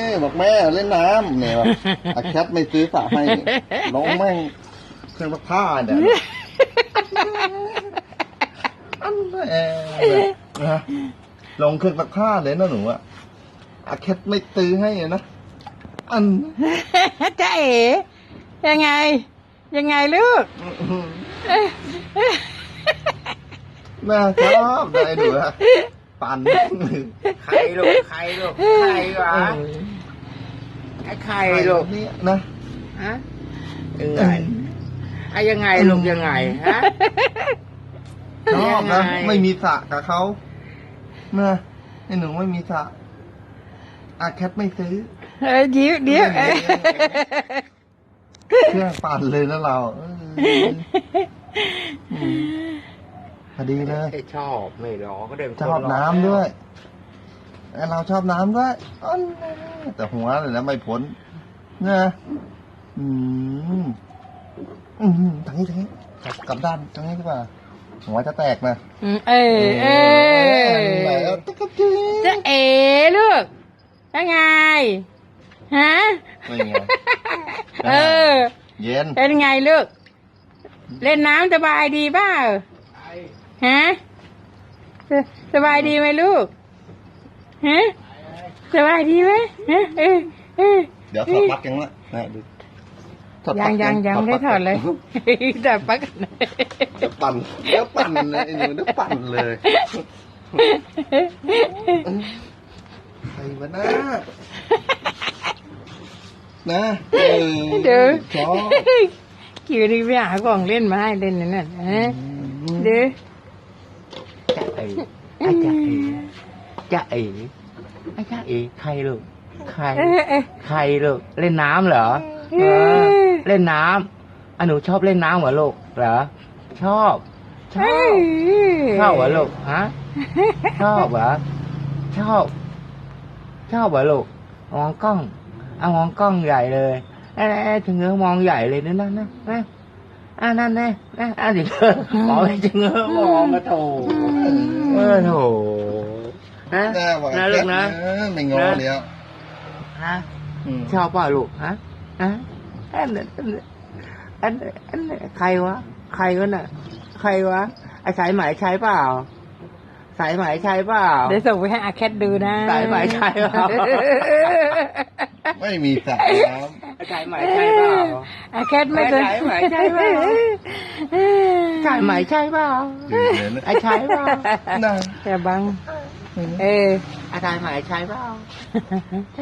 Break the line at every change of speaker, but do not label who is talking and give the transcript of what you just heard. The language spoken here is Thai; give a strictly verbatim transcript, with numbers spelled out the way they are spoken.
บอกแม่เล่นน้ำเนี่ยอาแคทไม่ซื้อสระให้น้องแม่งเครื่องซักผ้าเนี่ยอันแน่นะลงเครื่องซักผ้าเลยนะหนูอะอาแคทไม่ซื้อให้นะอัน
จ๊ะเอ๋ยังไงยังไงลูก
น่าชอบได้หนูอะปั่น
ใครลูกใครลูกใครวะไอ้ใครลูก
เนี่ยนะ
ฮะยังไงไอ้ยังไงลูกยังไงฮะ
ชอบนะ
ยังไง
ไม่มีสระกับเขานะไอ้หนูไม่มีสระอาแคทไม่ซื้อ
เอ้ยเดี๋ยวเดี๋ยว
เครื่องปั่นเลยนะเราเอออืมพอดีเลย
ไอ้ชอบไม่หรอก็เดิน
ชอบน้ำด้วยไอ้เราชอบน้ำด้วยอันนี้แต่หัวเลยนะไม่พ้นนะอืมอืมทางนี้ทางนี้กลับกลับด้านทางนี้ดีกว่าหัวจะแตกนะ
อืมเออเออ
แล้วตะกะจี
จ๊ะเอ๋ลูกยังไงฮะ
ไม่ไง
เออ
เย็น
เป็นไงลูกเล่นน้ำสบายดีเปล่าฮะสบายดีไหมลูกฮะสบายดีไหมฮะเออเออ
เดี๋ยวถอดปลั๊กยังละนะดูถอดป
ยั
ลั๊
ง
ก
ยังยังไม่ได้ถอดเลยถอดปลั๊ก
เดี๋ยวปั่นเดี๋ยวปั่นเลยไอ้หนูเดี๋ยวปั่นเลยใครวะนะนะเออ
เดี๋ยว
ชอบ
คิวนี่ไปหากล่องเล่นมาให้เล่นนั่นน่ะฮะเดี๋ยว
จ๊ะเอ๋ไอ้จ๊ะเอ๋จ๊ะเอ๋ไอ้จ๊ะเอ๋ใครลูกใคร
เออเออ
ใครลูกเล่นน้ำเหรอ
เออ
เออเล่นน้ำอ่ะหนูชอบเล่นน้ำเหรอลูกเหรอชอบชอบชอบเหรอลูกฮะชอบเหรอชอบ ชอบเหรอลูกมองกล้องเอามองกล้องใหญ่เลยเอ้ยถึงเงื้อมองใหญ่เลยนั่นนั่นนะอ่านั่นแน่นะอ่ะเดี๋ยวมองถึงเงื้อมองกระโถเออโถนะ
แน่ว่ะ
นะลูกนะ
เออไม่งอเดี๋ยว
ฮะ
อืม
ชอบเปล่าลูกฮะฮะอันนั้นอันนั้นอันนั้นอันนั้นใครวะใครวะน่ะใครวะไอ้สายไหมใช้เปล่าสายไหมใช้เปล่า
เดี๋ยวส่งไปให้อาแคทดูนะ
สายไหมใช้เปล่า
ไม่มีสระน้ำ
ไอ้สายไหมใช้เปล่า
อาแคทไม่เคย
ใช่ไหมใช่เปล่า สายไหมใช้เปล่า
ตื่นเลยนะ
ไอ้ใช้เปล่า
นะ
แต่บังเออ
ไอ้สายไหมใช้เปล่า